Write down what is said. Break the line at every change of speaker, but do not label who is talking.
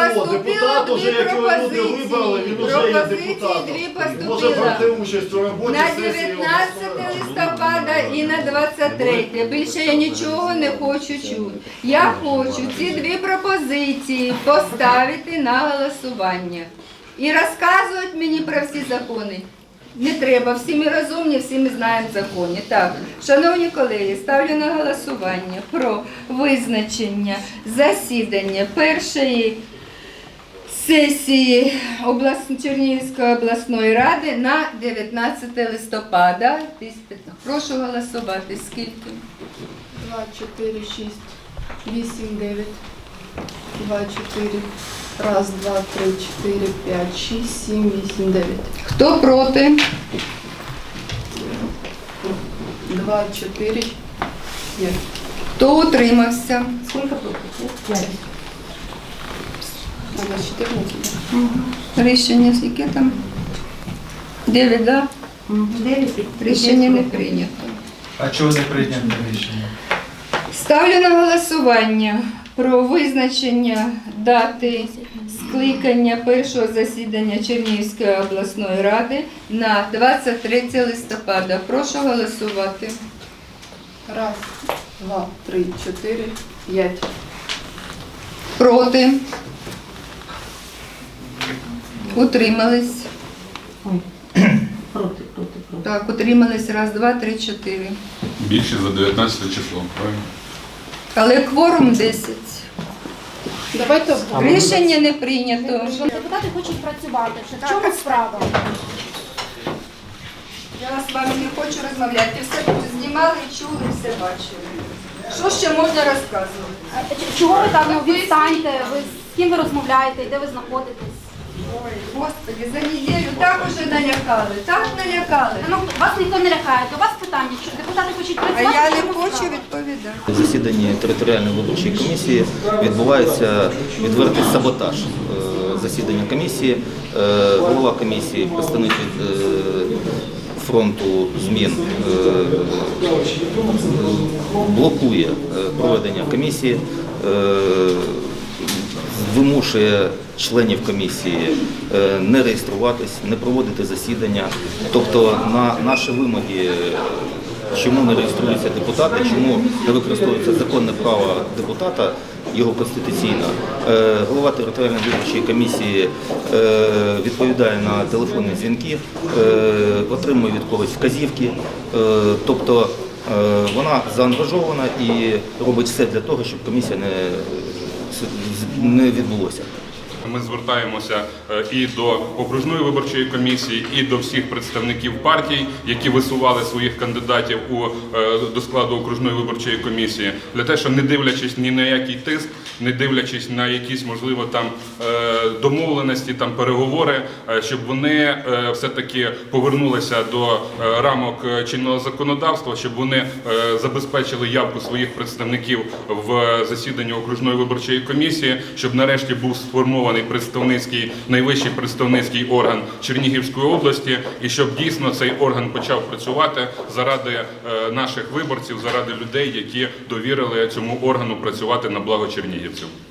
депутат уже, якого люди вибрали, він уже є депутатом. Може брати участь у роботі
на
сесії
19 листопада і на 23. Більше я нічого не хочу чути. Я хочу ці дві пропозиції поставити на голосування. І розказують мені про всі закони. Не треба, всі ми розумні, всі ми знаємо закони. Так, шановні колеги, ставлю на голосування про визначення засідання першої сесії Чернігівської обласної ради на 19 листопада. Прошу голосувати. Скільки?
2, 4, 6, 8, 9. 2, 4. Раз, два, 3, 4, 5, 6, 7, 8, 9.
Хто проти?
2, 4, 5.
Хто утримався?
Сколько против? 5.
У нас 14.
Рішення яке там? 9, так?
9.
Рішення не прийнято.
А чого не прийнято рішення?
Ставлю на голосування про визначення дати скликання першого засідання Чернігівської обласної ради на 23 листопада. Прошу голосувати.
Раз, два, 3, 4, 5.
Проти? Утримались?
Ой. Против.
Так, утримались. Раз, два, три, 4.
Більше за 19 число, правильно?
Але кворум 10.
Давайте
Рішення не прийнято.
Депутати хочуть працювати. В чому справа?
Я з вами не хочу розмовляти. Все тут знімали, чули, все бачили. Що ще можна розказувати?
Чого ви так відстаньте? Ви з ким ви розмовляєте? Де ви знаходитесь?
Ой, Господи, за неділю так уже налякали, так налякали.
Ну, вас ніхто не лякає. До вас питання, що депутати хочуть
А
працювати.
я
в
не
чому
хочу
справа?
відповідати.
В засіданні територіальної виборчої комісії відбувається відвертий саботаж засідання комісії. Голова комісії, представник від фронту змін, блокує проведення комісії, вимушує членів комісії не реєструватись, не проводити засідання. Тобто на наші вимоги, чому не реєструються депутати, чому не використовується законне право депутата, його конституційне, голова територіальної виборчої комісії відповідає на телефонні дзвінки, отримує від когось вказівки. Тобто вона заангажована і робить все для того, щоб комісія не відбулося.
Ми звертаємося і до окружної виборчої комісії, і до всіх представників партій, які висували своїх кандидатів до складу окружної виборчої комісії, для того, що не дивлячись ні на який тиск, не дивлячись на якісь, можливо, там домовленості, там переговори, щоб вони все-таки повернулися до рамок чинного законодавства, щоб вони забезпечили явку своїх представників в засіданні окружної виборчої комісії, щоб нарешті був сформований найвищий представницький орган Чернігівської області, і щоб дійсно цей орган почав працювати заради наших виборців, заради людей, які довірили цьому органу працювати на благо чернігівців.